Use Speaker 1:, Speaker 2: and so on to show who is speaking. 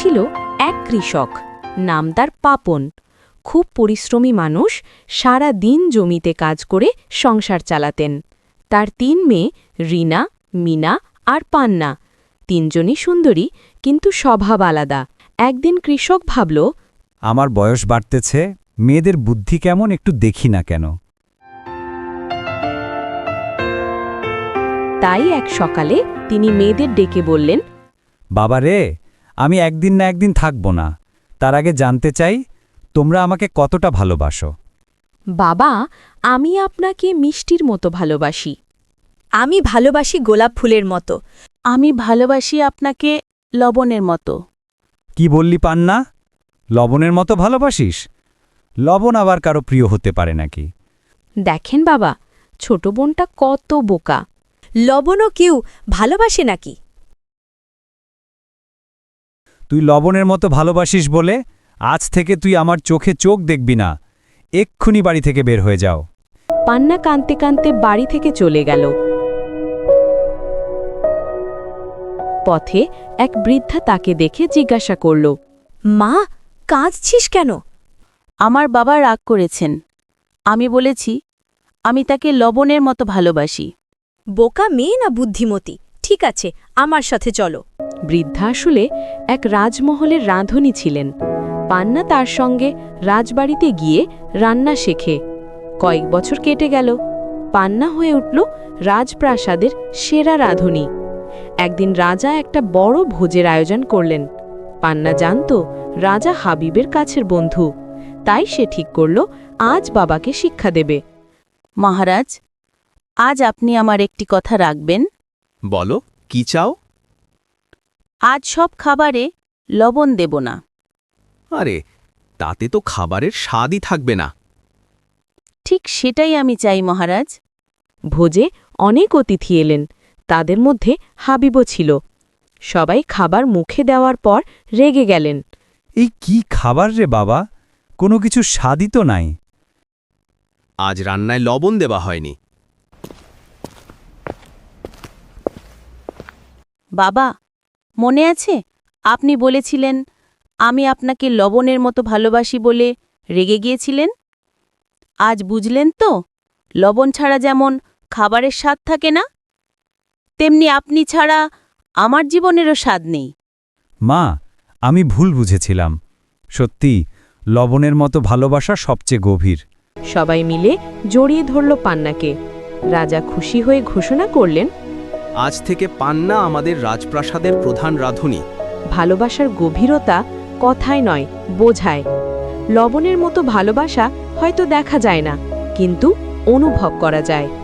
Speaker 1: ছিল এক কৃষক, নাম তার পাপন। খুব পরিশ্রমী মানুষ, সারা দিন জমিতে কাজ করে সংসার চালাতেন। তার ৩ মেয়ে রিনা, মিনা আর পান্না। ৩জনই সুন্দরী, কিন্তু স্বভাব আলাদা। একদিন কৃষক ভাবল,
Speaker 2: আমার বয়স বাড়তেছে, মেয়েদের বুদ্ধি কেমন একটু দেখি না কেন।
Speaker 1: তাই এক সকালে তিনি মেয়েদের ডেকে বললেন,
Speaker 2: বাবা রে, আমি একদিন না একদিন থাকব না, তার আগে জানতে চাই তোমরা আমাকে কতটা ভালোবাসো।
Speaker 1: বাবা, আমি আপনাকে মিষ্টির মতো ভালোবাসি।
Speaker 3: আমি ভালোবাসি গোলাপ ফুলের মতো।
Speaker 4: আমি ভালোবাসি আপনাকে লবণের মতো।
Speaker 2: কি বললি পান্না? লবণের মতো ভালোবাসিস? লবণ আবার কারো প্রিয় হতে পারে নাকি?
Speaker 1: দেখেন বাবা, ছোট বোনটা কত বোকা।
Speaker 3: লবণও কেউ ভালোবাসে নাকি?
Speaker 2: তুই লবণের মতো ভালোবাসিস বলে আজ থেকে তুই আমার চোখে চোখ দেখবি না। এক্ষুনি বাড়ি থেকে বের হয়ে যাও।
Speaker 1: পান্না কাঁদতে কাঁদতে বাড়ি থেকে চলে গেল। পথে এক বৃদ্ধা তাকে দেখে জিজ্ঞাসা করল,
Speaker 3: মা, কাঁদছিস কেন?
Speaker 4: আমার বাবা রাগ করেছেন। আমি বলেছি আমি তাকে লবণের মতো ভালোবাসি।
Speaker 3: বোকা মেয়ে না বুদ্ধিমতী? ঠিক আছে, আমার সাথে চলো।
Speaker 1: বৃদ্ধা আসলে এক রাজমহলের রাঁধুনি ছিলেন। পান্না তার সঙ্গে রাজবাড়িতে গিয়ে রান্না শেখে। কয়েক বছর কেটে গেল, পান্না হয়ে উঠল রাজপ্রাসাদের সেরা রাঁধুনি। একদিন রাজা একটা বড় ভোজের আয়োজন করলেন। পান্না জানত রাজা হাবিবের কাছের বন্ধু, তাই সে ঠিক করল আজ বাবাকে শিক্ষা দেবে।
Speaker 4: মহারাজ, আজ আপনি আমার একটি কথা রাখবেন।
Speaker 5: বলো, কি চাও?
Speaker 4: আজ সব খাবারে লবণ দেব না।
Speaker 5: আরে, তাতে তো খাবারের স্বাদই থাকবে না।
Speaker 4: ঠিক সেটাই আমি চাই মহারাজ।
Speaker 1: ভোজে অনেক অতিথি এলেন, তাদের মধ্যে হাবিবও ছিল। সবাই খাবার মুখে দেওয়ার পর রেগে গেলেন।
Speaker 2: এই কি খাবার রে বাবা, কোনো কিছু স্বাদই তো নাই।
Speaker 5: আজ রান্নায় লবণ দেওয়া হয়নি।
Speaker 4: বাবা, মনে আছে আপনি বলেছিলেন আমি আপনাকে লবণের মতো ভালোবাসি বলে রেগে গিয়েছিলেন? আজ বুঝলেন তো, লবণ ছাড়া যেমন খাবারের স্বাদ থাকে না, তেমনি আপনি ছাড়া আমার জীবনেরও স্বাদ নেই।
Speaker 2: মা, আমি ভুল বুঝেছিলাম। সত্যি, লবণের মতো ভালোবাসা সবচেয়ে গভীর।
Speaker 1: সবাই মিলে জড়িয়ে ধরল পান্নাকে। রাজা খুশি হয়ে ঘোষণা করলেন,
Speaker 5: আজ থেকে পান্না আমাদের রাজপ্রাসাদের প্রধান রাঁধুনি।
Speaker 1: ভালোবাসার গভীরতা কথায় নয়, বোঝায়। লবণের মতো ভালোবাসা হয়তো দেখা যায় না, কিন্তু অনুভব করা যায়।